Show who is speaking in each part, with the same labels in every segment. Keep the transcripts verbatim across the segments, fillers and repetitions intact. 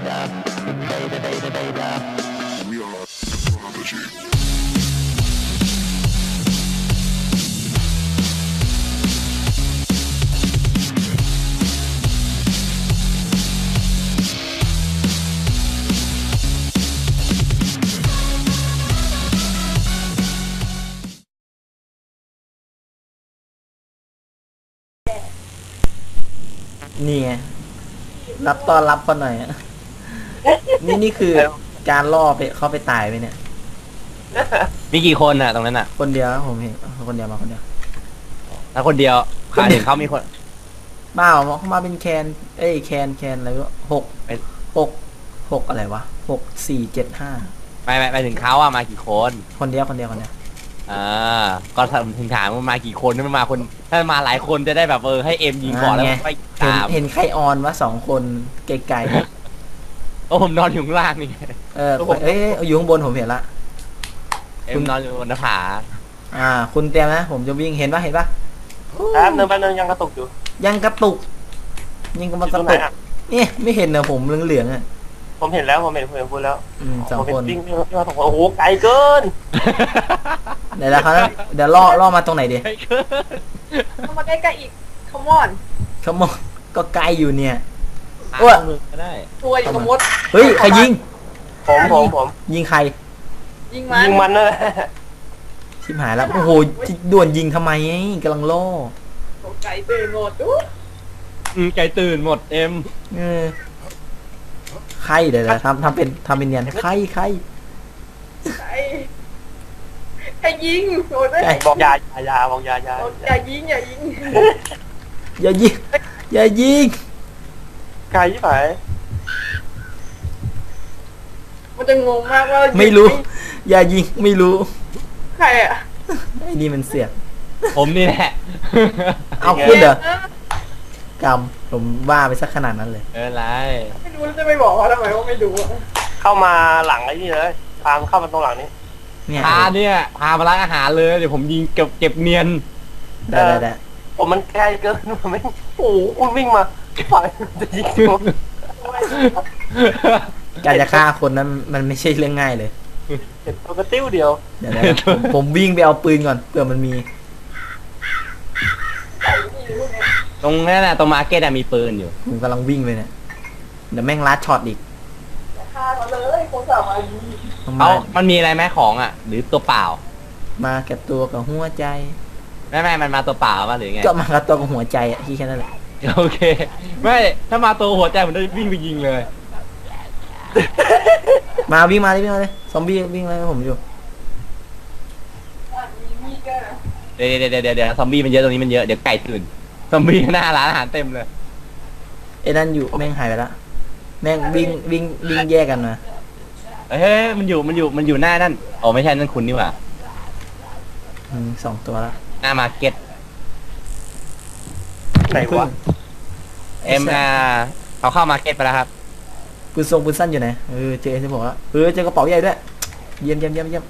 Speaker 1: นี่ไงรับต้อนรับเขาหน่อยอะนี่นี่คือการล่อไปเข้าไปตายไปเนี่ย
Speaker 2: มีกี่คนอ่ะตรงนั้นอ่ะ
Speaker 1: คนเดียวผมเห็นคนเดียวมาคนเดียว
Speaker 2: แล้วคนเดียวขาเห็นเขามีคน
Speaker 1: บ้าเขามาเป็นแคนเอ้ยแคนแคนอะไรวะหกหกหกอะไรวะหกสี่เจ็ดห้า
Speaker 2: ไปไปไปถึงเขาอ่ะมากี่คน
Speaker 1: คนเดียวคนเดียวคนเดียว
Speaker 2: อ่าก็ถึงถามว่ามากี่คนมันมาคนถ้ามาหลายคนจะได้แบบเออให้เอ็มยิงก่อนแล้วไป
Speaker 1: ตามเห็นใครออนวะสองคนไกล
Speaker 2: ๆโอ้ผมนอนอยู่ข้างล่างนี่
Speaker 1: เออเอ้ยอยู่ข้างบนผมเห็นละ
Speaker 2: เอ็มนอนอยู่บนหน้าผา
Speaker 1: อ่าคุณเตรียมนะผมจะวิ่งเห็นปะเห็นปะ
Speaker 3: แป๊บนึงแป๊บนึงยังกระตุกอยู่
Speaker 1: ยังกระตุกยังกำลังกระตุกนี่ไม่เห็นนะผมเหลืองๆอ่ะ
Speaker 3: ผมเห็นแล้วผมเห็นผมเห็นคุณแล้ว
Speaker 1: สองคน
Speaker 3: วิ่งมาสองคนโอ้โหไกลเกิน
Speaker 1: เดี๋ยวนะครับเดี๋ยวล่อล่อมาตรงไหนดี
Speaker 4: เข้ามาใกล้ๆอีกขมอน
Speaker 1: ขมอนก็ไกลอยู่เนี่ย
Speaker 2: อ้วนก็ได้
Speaker 4: ตัวอยู่ขมด
Speaker 1: เฮ้ยใครยิง
Speaker 3: ผมผมผม
Speaker 1: ยิงใคร
Speaker 4: ยิงมัน
Speaker 3: ยิงมันนั่นแหละ
Speaker 1: ชิบหายแล้วโอ้โหด่วนยิงทำไมกำลังล่อ
Speaker 4: ไก่ตื่นหมดดู
Speaker 2: ไก่ตื่นหมดเอ็ม
Speaker 1: เออใครเดี๋ยวทำทำเป็นทำเป็นเนียนใครใคร
Speaker 4: ใครใครยิงโอ้
Speaker 3: ยบอกยาอย่ายาบอกยายา
Speaker 4: อย่ายิงอย่ายิง
Speaker 1: อย่ายิงอย่ายิง
Speaker 3: ไกลยี่ไหน
Speaker 4: มันจะงงมากว่า
Speaker 1: ไม่รู้อย่ายิงไม่รู้
Speaker 4: ใครอ่ะ
Speaker 1: ไอ้นี่มันเสียบ
Speaker 2: ผมนี่แหละ
Speaker 1: เอาคุณเหรอกรรมผมว่าไปสักขนาดนั้นเลย
Speaker 2: เออไร
Speaker 4: ไม่รู้จะไม่บอกเขาทำไมว่าไม่ดู
Speaker 3: เข้ามาหลังไอ้นี่เลยพาเข้ามาตรงหลังนี้
Speaker 2: พาเนี่ยพามาร้านอาหารเลยเดี๋ยวผมยิงเก็บเก็บเนียน
Speaker 1: ได้ได้ได้
Speaker 3: ผมมันใกล้เกินผมไม่โอ้คุณวิ่งมาฝ่ายจะยิง
Speaker 1: การจะฆ่าคนนั้นมันไม่ใช่เรื่องง่ายเลย
Speaker 3: เห็นตัวกระติ้วเดียว
Speaker 1: เดี๋ยวผมวิ่งไปเอาปืนก่อนเผื่อมันมี
Speaker 2: ตรงนั้นแหละตรงมาร์เก็ตมีปืนอยู่
Speaker 1: ผมกำลังวิ่งไปเนี่ยเดี๋ยวแม่งลัดช็อตอีก
Speaker 4: ฆ่าเขาเลยคนสาวมาดี
Speaker 2: เอามันมีอะไรไหมของอ่ะหรือตัวเปล่า
Speaker 1: มากับตัวกับหัวใจ
Speaker 2: ไม่ไม่มันมาตัวเปล่าป่ะหรือไง
Speaker 1: ก็มากับตัวกับหัวใจอ่ะที่แค่นั้นแหละ
Speaker 2: โอเคไม่ถ้ามาตัวหัวใจผมจะวิ่งไปยิงเลย
Speaker 1: มาวิ่งมาเลยวิ่งมาเลยซอมบี้วิ่งเลยผมอยู่
Speaker 2: เดี๋ยวเดี๋ยวเดี๋ยวเดี๋ยวซอมบี้มันเยอะตรงนี้มันเยอะเดี๋ยวไก่ตื่นซอมบี้หน้าร้านอาหารเต็มเลย
Speaker 1: ไอ้นั่นอยู่แม่งหายไปละแม่งวิ่งวิ่งวิ่งแยกกันมา
Speaker 2: เฮ้ยมันอยู่มันอยู่มันอยู่หน้านั่นอ๋อไม่ใช่นั่นคุณนี่หว่า
Speaker 1: สองตัวละ
Speaker 2: หน้ามาร์เก็ต
Speaker 3: ไหนวะ
Speaker 2: เอ็มอาร์เขาเข้ามาร์เก็ตไปแล้วครับ
Speaker 1: ปืนทรงปืนสั้นอยู่ไหนเออเจอที่บอกว่าเออเจอกระเป๋าใหญ่ด้วยเยี่ยมเยี่ยมเยี่ยมเยี่ยม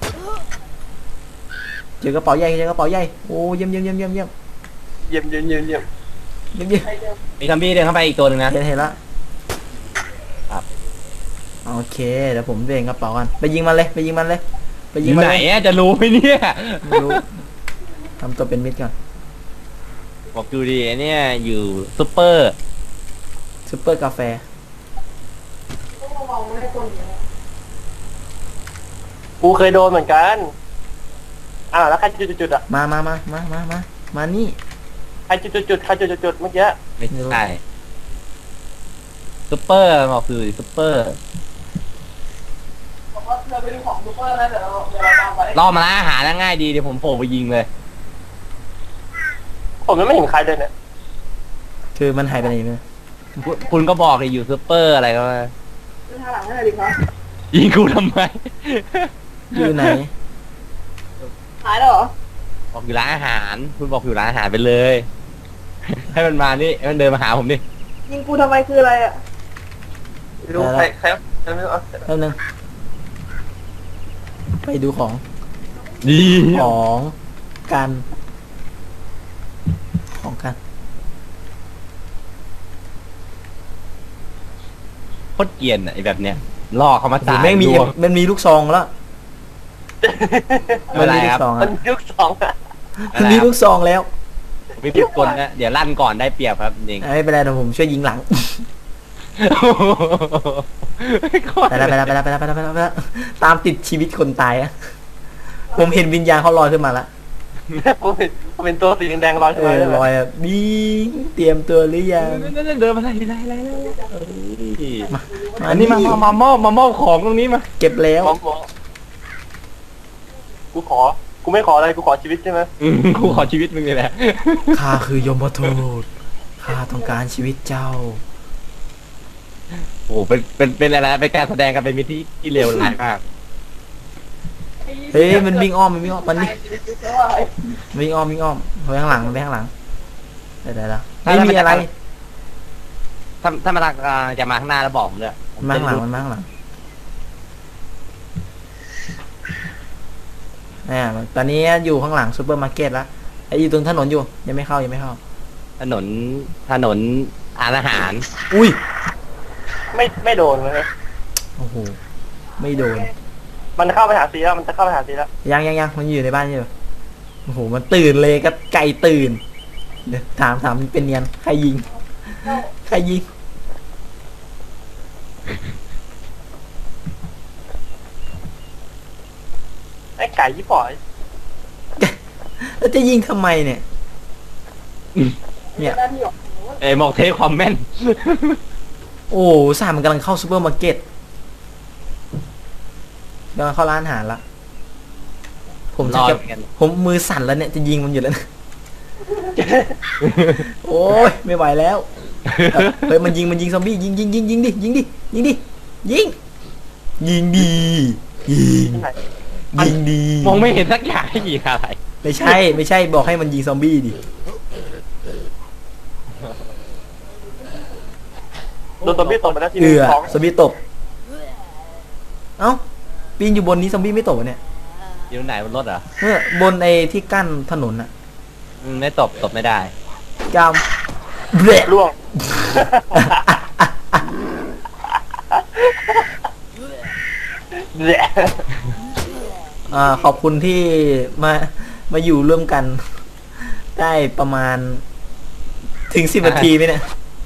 Speaker 1: เจอกระเป๋าใหญ่เจอกระเป๋าใหญ่โอ้เยี่ยมเยี่ยมเยี่ยมเยี่ยมเยี่ยม
Speaker 3: เยี่ยมเยี่ยมเยี่ยมเยี่ยม
Speaker 1: เยี่ยมเยี่ยม
Speaker 2: มีซอมบี้เดินเข้าไปอีกตัวหนึ่งนะ
Speaker 1: เห็นเห็นละครับโอเคเดี๋ยวผมเบ่งกระเป๋ากันไปยิงมันเลยไปยิงมันเลยไปยิงมัน
Speaker 2: ไหนจะรู้ไหมเนี่ย
Speaker 1: ไม่รู้ทำตัวเป็นมิดก่อน
Speaker 2: บอกดูดิเนี่ยอยู่ซุปเปอร์
Speaker 1: ซุปเปอร์กาแฟ
Speaker 3: กูเคยโดนเหมือนกันอ้าวแล้วใครจุดๆอ่ะ
Speaker 1: มามามามามามามานี่
Speaker 3: ใครจุดๆใครจุดๆเมื่อกี้
Speaker 2: ไม่ใช่ซุปเปอร์บอกคือซุปเปอร์
Speaker 4: เราไปดูของซุปเปอร์แล้วเดี๋ยวเราเดี๋ยวเราตามไป
Speaker 2: ล่อมาร้านอาหารง่ายดีเดี๋ยวผมโผล่ไปยิงเลย
Speaker 3: ผมยังไม่เห็นใครเลยเนี่ย
Speaker 1: คือมันหายไปไหนเนี่ย
Speaker 2: คุณก็บอกเลยอยู่ซุปเปอร์อะไรก็มา
Speaker 4: ทางหลังให้ดีครับ
Speaker 2: ยิงกูทำไม
Speaker 1: อยู่ไหน
Speaker 4: หายแล้วเหรอ
Speaker 2: บอกอยู่ร้านอาหารคุณบอกอยู่ร้านอาหารไปเลยให้มันมานี่ให้มันเดินมาหาผมดิ
Speaker 4: ยิงกูทำไมคืออะไรอ่ะ
Speaker 3: ไม่รู้ใครใครไม่รู้
Speaker 1: แป๊บนึงไปดูของ
Speaker 2: ดี
Speaker 1: ของกันของกัน
Speaker 2: โคตรเกรียนอะไอ้แบบเนี้ยล่อเขามา
Speaker 1: โอ้โห
Speaker 2: ตาย
Speaker 1: แม่งมี
Speaker 2: ดวง
Speaker 1: มันมีลูกซองแล้ว
Speaker 2: ไม่
Speaker 1: มัน
Speaker 2: เป็นไร
Speaker 1: มีลู
Speaker 2: ครั
Speaker 1: ก
Speaker 2: บ
Speaker 1: ซอง
Speaker 3: มั
Speaker 1: อะ
Speaker 3: นยุคสองอะ
Speaker 1: มันมีลูกซองแล้ว
Speaker 2: ไม่ผิดกลนะเดี๋ยวลั่นก่อนได้เปรียบครับจริง
Speaker 1: ไม่เป็นไรเดี๋ยวผมช่วยยิงหลัง ไปแล้วไปแล้วไปแล้วไปแล้วไปแล้วไปแล้วไปแล้วตามติดชีวิตคนตายอะผมเห็นวิญญาณเขาลอยขึ้นมาแล้ว
Speaker 3: ผมเป็นผมเป็นตัวสีแดงๆลอย
Speaker 1: เอ
Speaker 3: ขึ้นมา
Speaker 1: อ
Speaker 3: เลย
Speaker 1: ลอยแบบบิงเตรียมตัวหรือยัง
Speaker 2: เดินมาไล่ไล่ไล่ไล่
Speaker 1: มามา
Speaker 2: อันนี้มามามามอบมามอบของตรงนี้มา
Speaker 1: เก็บแล้ว
Speaker 3: มองมองกูขอ กูไม่ขออะไร กูขอชีวิตใช่ไหม
Speaker 2: อืมกูขอชีวิตมึงเลยแหละ
Speaker 1: ข้าคือยมทูตข้าต้องการชีวิตเจ้า
Speaker 2: โอ้โหเป็นเป็นเป็นอะไรเป็นการแสดงกันเป็นมิตรที่ที่เลวร้ายมาก
Speaker 1: เฮ้ยมันวิ่งอ้อมมันวิ่งอ้อมมันนี่วิ่งอ้อมวิ่งอ้อมไปข้างหลังไปข้างหลังเดี๋ยวเดี๋ยวเดี๋ยวไม่มีอะไร
Speaker 2: ถ้าถ้ามาทางอ่าจะมาข้างหน้าแล้วบอกผมเลย
Speaker 1: มันมาข้างหลังมันมาข้างหลังเนี่ยตอนนี้อยู่ข้างหลังซูเปอร์มาร์เก็ตแล้วไอ้อยู่ตรงถนนอยู่ยังไม่เข้ายังไม่เข้า
Speaker 2: ถนนถนนอาหาร
Speaker 1: อุ้ย
Speaker 3: ไม่ไม่โดนเลย
Speaker 1: โอ้โหไม่โดน
Speaker 3: มันเข้าไปหาซีแล้ว มันจะเข้าไปหาซีแล้ว
Speaker 1: ยังยังยังมันอยู่ในบ้านอยู่โอ้โหมันตื่นเลยก็ไก่ตื่นเดี๋ยวถามถามมันเป็นเนียนใครยิงใครยิง
Speaker 3: ไอ้ไก่ยี่ปอย
Speaker 1: แล้วจะยิงทำไมเนี่ย เนี่ย
Speaker 2: เอ้ยบอกเทคความแม่น
Speaker 1: โอ้สามมันกำลังเข้าซูเปอร์มาร์เก็ตกำลังเข้าร้านอาหารละผม
Speaker 2: รอ
Speaker 1: จะ
Speaker 2: เหมือนกัน
Speaker 1: ผมมือสั่นแล้วเนี่ยจะยิงมันอยู่แล้วนะ โอ้ยไม่ไหวแล้วเฮ้ยมันยิงมันยิงซอมบี้ยิงยิงยิงยิงดิยิงดิยิงดิยิงยิงดียิง
Speaker 3: ที่ไหน
Speaker 1: ยิงดี
Speaker 2: มองไม่เห็นสักอย่างให้ยิงอะไร
Speaker 1: ไม่ใช่ไม่ใช่บอกให้มันยิงซอมบี้ดิ
Speaker 3: โดนตัวพี่ตกไปแล้วที
Speaker 1: เอื
Speaker 3: นึง
Speaker 1: อ
Speaker 3: สอง
Speaker 1: ซอมบี้ตกเอ้าปีนอยู่บนนี้ซอมบี้ไม่ตกวะเนี่ย
Speaker 2: อยู่ไหนบนรถเหรอ
Speaker 1: เมื่อบนไอ้ที่กั้นถนนอะ
Speaker 2: อืมไม่ตบตบไม่ได้
Speaker 1: กามเบะ
Speaker 3: ล่วง แหละ
Speaker 1: อ่าขอบคุณที่มามาอยู่ร่วมกัน ได้ประมาณ ถึงสิบนาทีไหมเนี่ย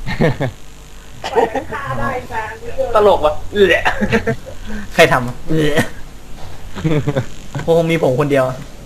Speaker 3: ตลกวะแหละ
Speaker 1: ใครทำอะเออคงมีผมคนเดียว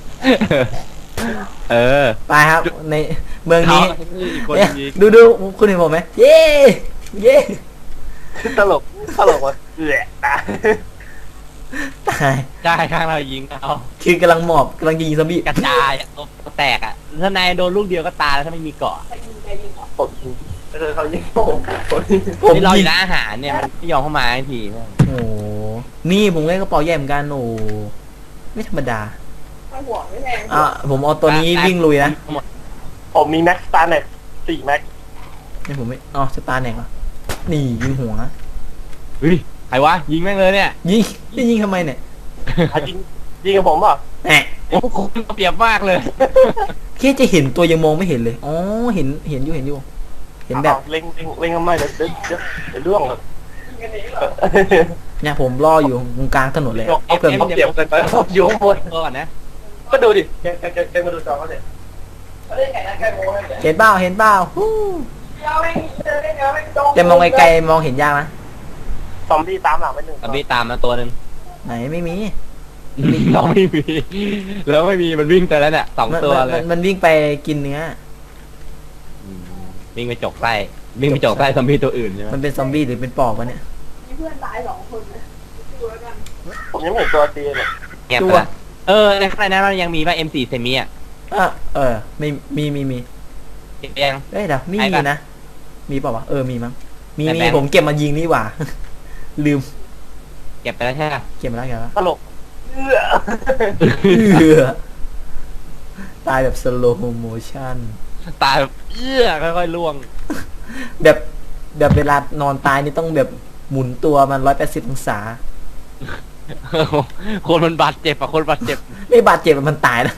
Speaker 2: เออ
Speaker 1: ไปครับ ในเมืองนี้
Speaker 2: อีกคน
Speaker 1: เนี่ย
Speaker 2: ยิง
Speaker 1: ดูดูคุณเห็นผมไหมเย้เย้
Speaker 3: ตลก ตลกวะแหละ
Speaker 1: ตาย
Speaker 2: ใช่ข้างเรายิงเอา
Speaker 1: คือกำลังหมอบกำลังยิงซอมบี้
Speaker 2: กระจายอะตบแตกอ่ะถ้านายโดนลูกเดียวก็ตายแล้วถ้าไม่มีเกาะ
Speaker 3: ผมเออเขายิงผม
Speaker 1: ผม
Speaker 2: นี่เราอ
Speaker 1: ยิง
Speaker 2: ยู่ร้านอาหารเนี่ยมันไม่ยอมเข้ามาทันที
Speaker 1: โอ้โหนี่ผมเล่นกระเป๋าใหญ่เหมือนกันโอ้โหไม่ธรรมดา
Speaker 4: หัวไม่แพง
Speaker 1: อ่ะผมเอาตัวนี้วิ่งลุยนะ
Speaker 2: หมด
Speaker 3: ผมมีแม็กซ์ตาร์เน็ตสี่แม็ก
Speaker 1: นี่ผมไม่อ๋อสตาร์แหนกเหรอนี่ยิงหัว
Speaker 2: เฮ้ยใครวะยิงแม่งเลยเนี่ย
Speaker 1: ยิงนี่ยิงทำไมเนี่ย
Speaker 3: อ่ะยิงยิงกับผมเปล่ะ
Speaker 1: แหม
Speaker 2: โอ้โหเปรียบมากเลย
Speaker 1: แค่จะเห็นตัวยังมองไม่เห็นเลยอ๋อเห็นเห็นอยู่เห็นอยู่ เห็นแบบ
Speaker 3: อ้าวเล็งเล็งเล็งทำไมเดี๋ยวเดี๋ยวเดี๋ยวเดี๋ยวล่วงเลย
Speaker 4: กันเองเหรอ
Speaker 1: เนี่ยผมรออยู่ตรงกลางถนนเลย
Speaker 3: เอา
Speaker 1: เพิ่ม
Speaker 3: เอาเปรียบกันไปผมอยู่ข้างบน
Speaker 2: ก่อนนะ
Speaker 3: ก็ดูดิแกแกแกแกมาดูจอเขาสิ
Speaker 4: เขาเล่นไงนะแกโง่เลย
Speaker 1: เห็นเปล่าเห็นเปล่าฮู้
Speaker 4: เดี๋ยวแม่งเจอได้ไงแม่งโดน
Speaker 1: แต่มองไกลๆมองเห็นยากนะ
Speaker 3: ซอมบี้ตามหลังไปหนึ่ง
Speaker 2: ตอนนี้ตามมาตัวหนึ่ง
Speaker 1: ไหนไม่มี
Speaker 2: เราไม่มีแล้วไม่มีมันวิ่งไปแล้วเนี่ยสอง
Speaker 1: มัน
Speaker 2: ตัว
Speaker 1: มัน
Speaker 2: เล
Speaker 1: มั
Speaker 2: ย
Speaker 1: นมันวิ่งไปกินเนื้อ
Speaker 2: อืมวิ่งไปจกไส้วิ่งไปจกไส้ซอมบี้ตัวอื่นใช่ไหม
Speaker 1: มันเป็นซอมบี้หรือเป็นปอบวะเนี่ย
Speaker 4: มีเพื่อนตายสองคนนะดูแล้วกัน
Speaker 3: ผมยังไม่เห็นตัวตีเลย
Speaker 2: เงียบ
Speaker 1: ตั
Speaker 2: ไป
Speaker 1: ว
Speaker 2: ละเออในข้างในนั้นมันยังมีป่ะ เอ็ม โฟร์ เซมิอ่ะ
Speaker 1: อ่ะเออไม่มีมีมี
Speaker 2: เก็บยัง
Speaker 1: เอ้ยเดี๋ยวมี
Speaker 2: ไอ้
Speaker 1: มี
Speaker 2: ปะ
Speaker 1: นะมีเปล่าวะเออมีมั้งมี
Speaker 2: แต่
Speaker 1: มี
Speaker 2: แบงค์
Speaker 1: ผมเก็บมายิงนี่หว่า ลืม
Speaker 2: เก็บไปแล้วใช่ไหม
Speaker 1: เก็บมาแล้วเก็บมาแล้ว
Speaker 3: ตลกเอื้อ
Speaker 1: เอื้อตายแบบสโลว์โมชั่น
Speaker 2: ตายแบบเอื้อค่อยๆล่วง
Speaker 1: แบบแบบเวลานอนตายนี่ต้องแบบหมุนตัวมันร้อยแปดสิบองศา
Speaker 2: คนมันบาดเจ็บอะคนบาดเจ็บ
Speaker 1: ไม่บาดเจ็บอะมันตายแล้ว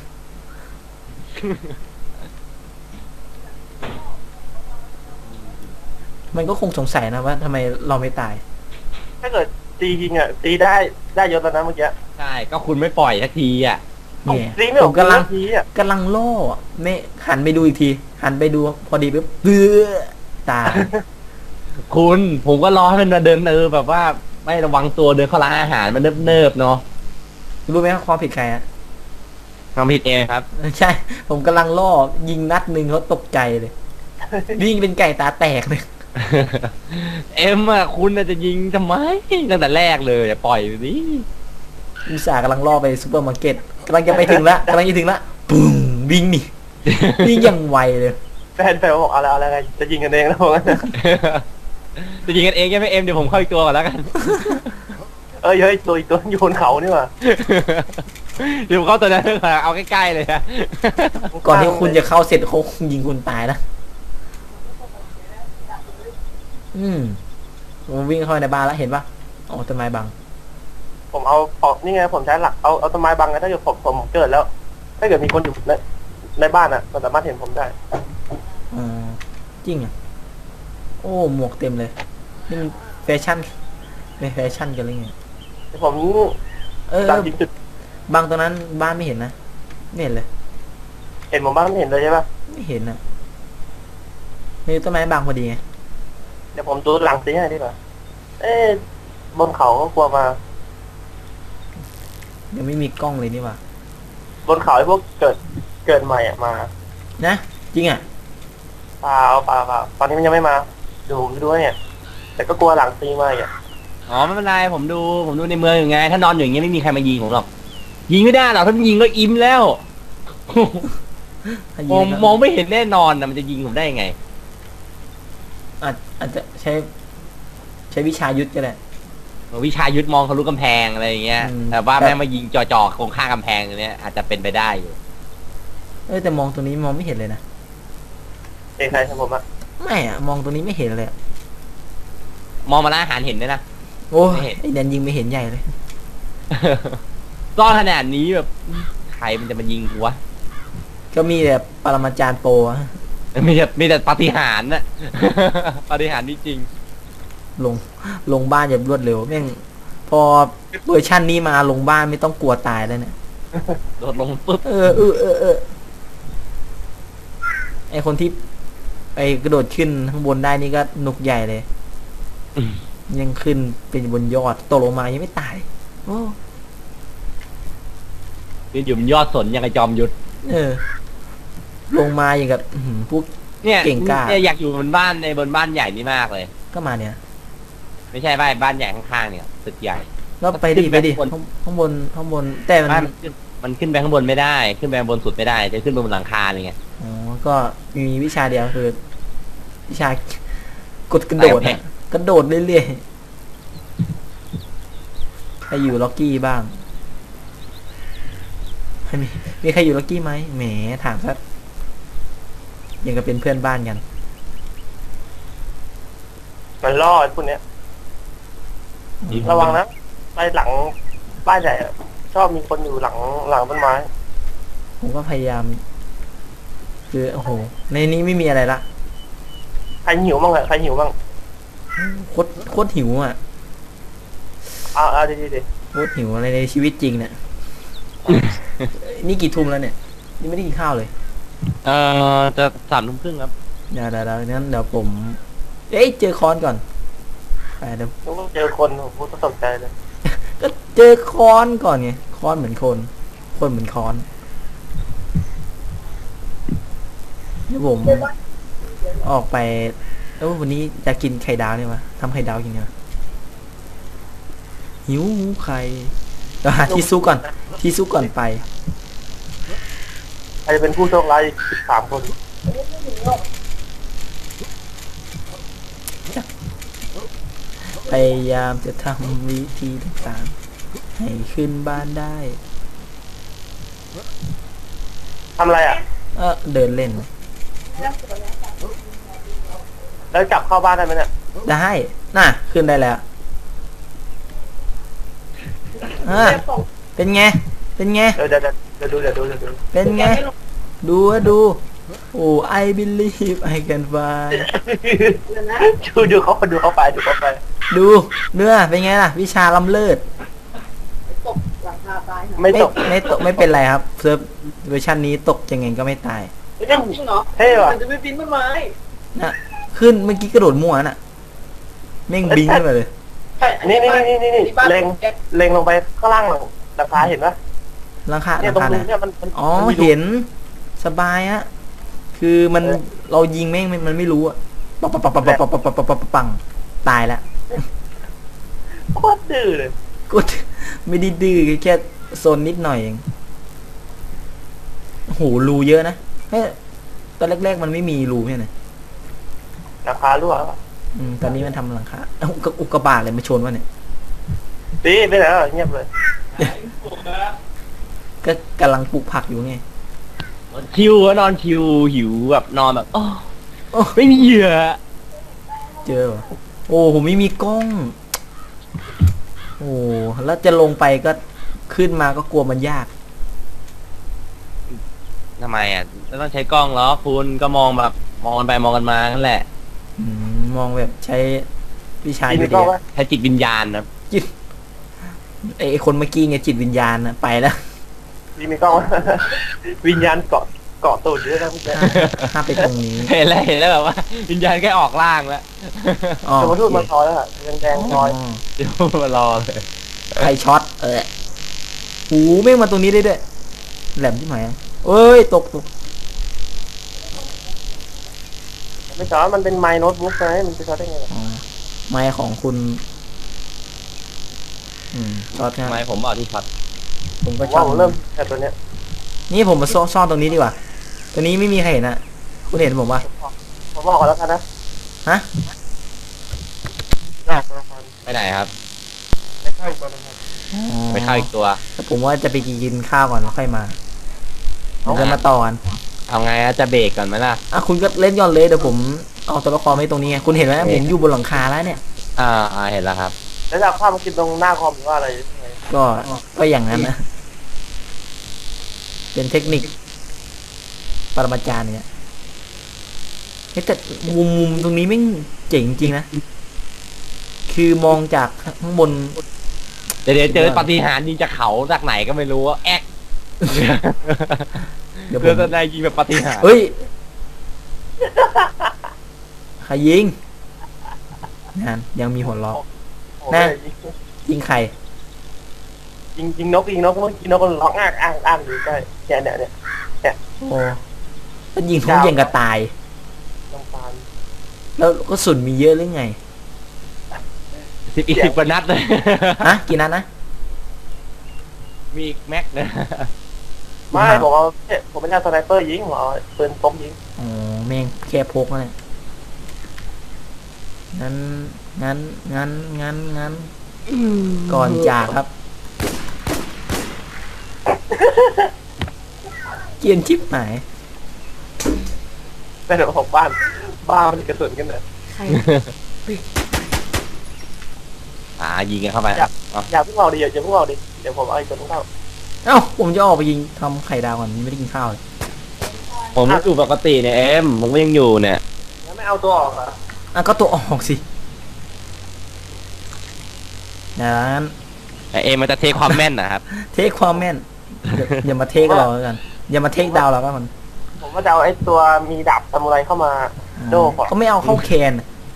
Speaker 1: มันก็คงสงสัยนะว่าทำไมเราไม่ตาย
Speaker 3: ถ้าเกิดตีจริงอ่ะตีได้ได้เยอะแล้วนะเมื่อกี้
Speaker 2: ใช่ก็คุณไม่ปล่อยสักทีอ่ะ
Speaker 1: เนี่ย
Speaker 3: ตีไม่อ
Speaker 1: ผ
Speaker 3: อก
Speaker 1: มกำลัง
Speaker 3: ทีอ่ะ
Speaker 1: กำลังล่อไม่หันไปดูอีกที หันไปดูพอดีปุ๊บเบื้อตาย
Speaker 2: คุณผมก็รอให้มันมาเดินเออแบบว่าไม่ระวังตัวเดินเข้าร้านอาหารมันเนิบๆเนาะ
Speaker 1: รู้ไหมว่าความผิดใครอะ
Speaker 2: ทำผิดเองครับ
Speaker 1: ใช่ ผมกำลังล่อยิงนัดหนึ่งเขาตกใจเลยวิ่งเป็นไก่ตาแตกเลย
Speaker 2: เอ็มอ่ะคุณน่ะจะยิงทำไมตั้งแต่แรกเลยอย่าปล่อยดิ
Speaker 1: อุตส่าห์กำลังล่อไปซูเปอร์มาร์เก็ตกำลังจะไปถึงละกำลังจะถึงละปุ้งวิ่งหนี่วิ่งอย่างไวเลย
Speaker 3: แฟนแฟนบอกอะไรอะไรจะยิงกันเองแล้วบอกงั้น
Speaker 2: จะยิงกันเองใช่ไหมเอ็มเดี๋ยวผมเข้าอีกตัวก่อนแล้วกัน
Speaker 3: เอ้ยเฮ้ยตัวอีกตัวอยู่บนเขานี่หว่า
Speaker 2: เดี๋ยวผมเข้าตัวนั้นก่อนเอาใกล้ๆเลยอะ
Speaker 1: ก่อนที่คุณจะเข้าเสร็จเขาคงยิงคุณตายนะอืมผมวิ่งเข้าไปในบ้านแล้วเห็นปะอ๋อต้นไม้บัง
Speaker 3: ผมเอาออกนี่ไงผมใช้หลักเอาเอาต้นไม้บังไงถ้าเกิดผมผมเกิดแล้ว ถ้าเกิดมีคนอยู่ในในบ้านอ่ะมันสามารถเห็นผมได้
Speaker 1: อ๋อจริงอ่ะโอ้หมวกเต็มเลยนี่มันแฟชั่นเป็นแฟชั่นกันเลยไง
Speaker 3: ผม
Speaker 1: เออ
Speaker 3: ตามจริงจุด
Speaker 1: บางตรงนั้นบ้านไม่เห็นนะไม่เห็นเลย
Speaker 3: เห็นผมบ้างไม่เห็นเลยใช่ปะ
Speaker 1: ไม่เห็นอ่ะมีต้นไม้บางพอดีไง
Speaker 3: เดี๋ยวผมดูหลังซีให้ดีกว่าเอ๊ะบนเขาก็กลัวมา
Speaker 1: ยังไม่มีกล้องเลยนี่หว่า
Speaker 3: บนเขาไอ้พวกเกิดเกิดใหม่อ่ะมา
Speaker 1: นะจริงอ่ะ
Speaker 3: เปล่าเปล่าเปล่าตอนนี้มันยังไม่มาดูผมดูด้วยเนี่ย แต่ก็กลัวหลังซีมาอ่ะ
Speaker 2: อ๋อไม่เป็นไรผมดูผมดูในเมืองอยู่ไง ถ้านอนอยู่อย่างเงี้ยไม่มีใครมายิงผมหรอกยิงไม่ได้หรอกถ้ามันยิงก็อิ่มแล้ว
Speaker 1: ถ้ายิ
Speaker 2: มอง
Speaker 1: ก็
Speaker 2: มองไม่เห็นแน่นอนนะมันจะยิงผมได้ยังไง
Speaker 1: อาจอาจจะใช้ ใช้วิชายุทธก็ได้
Speaker 2: วิชายุทธมองทะลุกำแพงอะไรอย่างเงี้ย
Speaker 1: อืม
Speaker 2: แต่ว่า
Speaker 1: แต่
Speaker 2: แม่งมายิงจ่อๆตรงข้างกำแพงอย่างเนี้ยอาจจะเป็นไปได้อยู่
Speaker 1: เออแต่มองตรงนี้มองไม่เห็นเลยนะ
Speaker 3: เอ้ใครทำผมอ่ะ
Speaker 1: ไม่อะมองตรงนี้ไม่เห็นเลยอะ
Speaker 2: มองมาร้านอาหารเห็นด้วยนะ
Speaker 1: โอ้
Speaker 2: ไม่
Speaker 1: ย
Speaker 2: เห็น
Speaker 1: ไอแดนยิงไม่เห็นใหญ่เลย
Speaker 2: ซ่อนขนาดนี้แบบใครมันจะมายิงกูวะ
Speaker 1: ก็มีแต่ปรมาจารย์โปรอะ
Speaker 2: มีแต่มีแต่ปาฏิหาริย์น่ะ ปาฏิหาริย์นี่จริง
Speaker 1: ลงลงบ้านอย่างรวดเร็วแม่งพอเวอร์ชันนี้มาลงบ้านไม่ต้องกลัวตายแล้วเนี่ย
Speaker 2: โดดลงปุ๊บ
Speaker 1: เออเออเออเออไอคนที่ไปกระโดดขึ้นข้างบนได้นี่ก็หนุกใหญ่เลย ยังขึ้นเป็นบนยอดตกลงมายังไม่ตาย โอ้
Speaker 2: ยืนอยู่บนยอดสนยังไงจอมยุทธ
Speaker 1: เออ ลงมาอย่างกับอื้อหือพวก
Speaker 2: เนี่ย
Speaker 1: เก่งกล้า
Speaker 2: เนี่ยอยากอยู่บนบ้านในบนบ้านใหญ่นี่มากเลย
Speaker 1: ก็มาเนี่ย
Speaker 2: ไม่ใช่บ้านบ้านใหญ่ข้างๆเนี่ยตึกใหญ่
Speaker 1: ก็ไปดิ
Speaker 2: ขึ้น
Speaker 1: ไป
Speaker 2: ไป
Speaker 1: ดิ
Speaker 2: ข้างบน
Speaker 1: ข้างข้างบนข้างบน แต่มัน
Speaker 2: บ้านมันขึ้นมันขึ้นไปข้างบนไม่ได้ ขึ้นไปข้างบนสุดไม่ได้ จะขึ้นไปบนหลังคาอะไรเงี้ย
Speaker 1: อ๋อก็มีวิชาเดียวคือ วิชากดกระโดด
Speaker 2: แผล
Speaker 1: อะกระโดดเรื่อยๆใครอยู่ล็อกกี้บ้างมีมีใครอยู่ล็อกกี้ไหมแหมถามซะยังกับเป็นเพื่อนบ้านกัน
Speaker 3: มันรอดพวกเนี้ย ระวังนะไปหลังบ้านใหญ่อะชอบมีคนอยู่หลังหลังต้นไม้
Speaker 1: ผมก็พยายาม คือโอ้โห ในนี้ไม่มีอะไรละ
Speaker 3: ใครหิวบ้างอะใครหิวบ้าง
Speaker 1: โคตรโคตรหิวอ่ะ
Speaker 3: เอาเอาดีดีดี
Speaker 1: โคตรหิวอะไรในชีวิตจริงเนี่ย นี่กี่ทุ่มแล้วเนี่ย นี่ไม่ได้กินข้าวเลย
Speaker 2: เอ่อจะสามทุ่มครึ่งครับ
Speaker 1: เดี๋ยวเดี๋ยวเดี๋ยวงั้นเดี๋ยวผม เอ้ยเจอคอนก่อนไปเดี๋ยว
Speaker 3: นึกว่าเจอคนผมก็ตกใจเลย
Speaker 1: ก็เจอคอนก่อนไงคอนเหมือนคน คนเหมือนคอนเดี๋ยวผมออกไปเออวันนี้จะกินไข่ดาวเนี่ยวะทำไข่ดาวกินเนี่ยหิวไข่เดี๋ยวหาที่ซุกก่อน ที่ซุกก่อนไป
Speaker 3: ใครจะเป็นผู้โชคร้ายสิบสามคน
Speaker 1: พยายามจะทำวิธีต่างๆให้ขึ้นบ้านได้
Speaker 3: ทำอะไรอ่ะ
Speaker 1: เออเดินเล่น
Speaker 3: แล้วจับเข้าบ้านได้ไหมเนี่ย
Speaker 1: ได้น่ะ ขึ้นได้แล้วอ่ะเป็นไง เป็นไง
Speaker 3: เดี๋ยวเดี๋ยวเดี๋ยวดูเดี๋ยวดูเดี๋ยวดู
Speaker 1: เป็นไง ดูอะดู โอ้ I believe I can fly
Speaker 3: ดูดูเขาดูเขาไปดูเขาไป
Speaker 1: ดูเนื้อเป็นไงล่ะ วิชาล้ำเลิศ
Speaker 4: ตกหลังคาตาย
Speaker 3: ไม่
Speaker 1: ไม่
Speaker 3: ตก
Speaker 1: ไม่ตกไม่เป็นไรครับเซิร์ฟเวอร์ชันนี้ตกยังไงก็ไม่ตาย
Speaker 3: เฮ้ย
Speaker 4: จริงเหรอ
Speaker 3: เท่ว่ะ
Speaker 4: มันจะไม่ปีนต้นไม้
Speaker 1: นะขึ้นเมื่อกี้กระโดดมั่วน่ะแม่งบิงขึ้นมาเลย
Speaker 4: ใช่
Speaker 3: นี่นี่นี่นี่นี่
Speaker 4: บ้าน
Speaker 3: เล็ง
Speaker 4: แก๊ส
Speaker 3: เล็งลงไปข้างล่างหลังหลังคาเห็นปะ
Speaker 1: หลังคาห
Speaker 3: เนี่
Speaker 1: ลั
Speaker 3: ย
Speaker 1: ง
Speaker 3: ตรง
Speaker 1: คาไหน
Speaker 3: นี้เนี่ยมันมัน
Speaker 1: อ๋อ
Speaker 3: มันมีรู
Speaker 1: เห็นสบายอะคือมัน
Speaker 3: เออ
Speaker 1: เรายิงแม่งมันไม่รู้อะปังปังปังปังปังปังปังปังปังปังตายแล้ว
Speaker 3: โคตรดื้อเลย
Speaker 1: กูไม่ได้ดื้อแค่โซนนิดหน่อยเองโอ้โหรูเยอะนะเฮ้ยตอนแรกๆมันไม่มีรูใช่ไหม
Speaker 3: หลังคารั่วแล้ว
Speaker 1: อืมตอนนี้มันทำหลังคาเอ้าอุกอุกกาบาตเลยมาชนวะเนี่ย
Speaker 3: ตีไปไหนแล้วเงียบเลย
Speaker 1: ก็กำลังปลูกผักอยู่ไง
Speaker 2: ชิวอะนอนชิวหิวแบบนอนแบบโอ้
Speaker 1: โอ้
Speaker 2: ไม่มีเหยื่อ
Speaker 1: เจอวะโอ้ผมไม่มีกล้อง โอ้แล้วจะลงไปก็ขึ้นมาก็กลัวมันยาก
Speaker 2: ทำไมอ่ะต้องใช้กล้องเหรอคุณก็มองแบบมองกันไปมองกันมานั่นแหละ
Speaker 1: อืมมองแบบใช้วิชา
Speaker 3: ตี
Speaker 1: อยู่
Speaker 3: ไม่
Speaker 1: ดี
Speaker 3: ก็
Speaker 1: อะ
Speaker 3: ว่า
Speaker 2: ใช้จิตวิญญาณนะ
Speaker 1: จิตไอไอ้คนเมื่อกี้ไงจิตวิญญาณนะไปแล้ว
Speaker 3: ตีไม่ก็ว่า วิญญาณเกาะเกาะตูดอยู่ด้วยนะพี่แจ๊ค
Speaker 1: ห้ามไปตรงนี้
Speaker 2: เห็นแล้วเห็นแล้วแบบว่า วิญญาณแค่ออกล่างแล้ว
Speaker 1: อ๋อ
Speaker 3: จะมาทูดมาซอยแล้วอะแดงๆซอย
Speaker 2: เดี๋ยวมารอเลย
Speaker 1: ใครช็อตเออหูแม่งมาตรงนี้ได้ด้วยแหลมที่ไหนอะเอ้ยตกตก
Speaker 3: ไม่ซอยมันเป็นไมโน้ตบุ๊กนะมันจะซอยได้ไงล่ะ
Speaker 1: อ๋อไม้ของคุณ อืมช็อต
Speaker 2: ทำไม
Speaker 1: นะ
Speaker 2: ผมบอกที่ช็อต
Speaker 1: ผม
Speaker 3: ผ
Speaker 1: ก็
Speaker 3: ม
Speaker 1: ช็อ
Speaker 3: ว่า
Speaker 1: ต
Speaker 3: ผมเริ่มแต่ตัวเนี้ย
Speaker 1: นี่ผมมาซ่อนซ่อนตรงนี้ดีกว่า ตัวนี้ไม่มีใครเห็นนะคุณเห็นผมปะ
Speaker 3: ผมบอกก่อนแล้วกันนะ
Speaker 1: ฮะ
Speaker 3: หน้าตัวละคร
Speaker 2: ไปไหนครับ
Speaker 3: ไม่เข้าตัวละคร
Speaker 1: อ๋อ
Speaker 2: ไปเข้าอีกตัว
Speaker 1: แต่ผมว่าจะไปกินข้าวก่อนแล้วค่อยมาเดี๋ยวจะมาต่อกัน
Speaker 2: เอาไงอะจะเบรกก่อนไหมล่ะ
Speaker 1: อ่ะคุณก็เล่นย้อนเลยเดี๋ยวผมเอาตัวละครไว้ตรงนี้ไงคุณเห็นไหมผมอยู่บนหลังคาแล้วเนี่ย
Speaker 2: อ่าอ่าเห็นแล้วครับ
Speaker 3: แล้วจะเอาข้าวมากินตรงหน้าคอมหรือว่าอะไรยังไง
Speaker 1: ก็ก็อย่างนั้นนะ เป็นเทคนิคปรมาจารย์เนี่ยเฮ้ยแต่มุมมุมตรงนี้ไม่งเจ๋งจริงนะ คือมองจากข้างบน
Speaker 2: เดี๋ยวเดี๋ยวเจอปาฏิหาริย์ยิงจากเขาจากไหนก็ไม่รู้ว่าแอ๊ก
Speaker 1: เดี๋ยวผ
Speaker 2: เพื่อ
Speaker 1: ม
Speaker 2: จะได้ยิงแบบปาฏิหาริย์
Speaker 1: เฮ้ยใครยิงนั่นยังมีหัวเราะ
Speaker 3: โอ้โห
Speaker 1: นะ
Speaker 3: ยิง
Speaker 1: ยิงใคร
Speaker 3: ยิงยิงนกยิงนกเมื่อกี้นกก็ร้องอ้างอ้างอ้างอยู่ใกล้เนี่ยเนี่ยเนี่ย
Speaker 1: โอ้ก็ยิงท้องเย็นกับตาย
Speaker 3: น้ำตาล
Speaker 1: แล้วก็สุนมีเยอะหรือไง
Speaker 2: สิบอีกสิบกว่านัดเลย
Speaker 1: ฮะกี่นัดนะ
Speaker 2: มีอีกแม็กนะ
Speaker 3: ไม่ผมเอาเนี่ยผมเป็นชาสไนเปอร์ยิงผมเอาปืนพกยิง
Speaker 1: อ๋อแม่งแค่พกนั่นแหละงั้นงั้นงั้นงั้นงั้นก่อนจากครับ เกรียนชิปหาย
Speaker 3: แต่เดี๋ยวผมบ้านบ้านมันกระสุนกันเลย
Speaker 4: ใคร
Speaker 2: อ่ายิงกันเข้าไป
Speaker 3: อย่า
Speaker 2: เอา
Speaker 3: อย่าเพิ่งเอาดิอย่าเพิ่งเอาดิเดี๋ยวผมเอาอีกตัวนึงเข้า
Speaker 1: เอ้าผมจะออกไปยิงทำไข่ดาวก่อนยังไม่ได้กินข้าวเลย
Speaker 2: ผมอยู่ปกติเนี่ยเอ็มผมก็ยังอยู่เนี่ย
Speaker 3: แล้วไม่เอาตัวออกเหรอ
Speaker 1: อ่ะก็ตัวออกสินั้น
Speaker 2: แต่เอ็มมันจะเทคความแม่นนะครับ
Speaker 1: เทคความแม่นอย่าอย่ามาเทคเราแล้วกันอย่ามาเทคดาวเราก็มัน
Speaker 3: ผมว่าจะเอาไอ้ตัวมีดาบซามูไรเข้ามา โดก่อน
Speaker 1: เขาไม่เอาเข้าแคน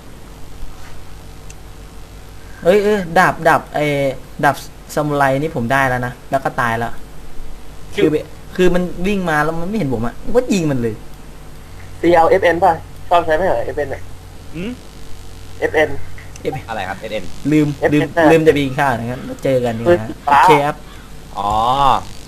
Speaker 1: เอ้ยเอ้ยดาบดาบไอ้ดาบซามูไรนี่ผมได้แล้วนะแล้วก็ตายแล้วคือแบบคือมันวิ่งมาแล้วมันไม่เห็นผมอ่ะผมก็ยิงมันเลย
Speaker 3: ตีเอา เอฟ เอ็น ป่ะชอบใช้ไหมเหรอ เอฟ เอ็น เนี่ย
Speaker 2: อืม
Speaker 3: เอฟ เอ็น
Speaker 2: อะไรครับเอ็ม
Speaker 1: ลืม
Speaker 3: เอฟ
Speaker 1: ลืม
Speaker 3: เอฟ
Speaker 1: ลืมจะไปกินข้าวนะครับแล้วเจอกันดีกว่า
Speaker 3: ปืนสีฟ้า
Speaker 1: โอเคครับ
Speaker 2: อ๋อ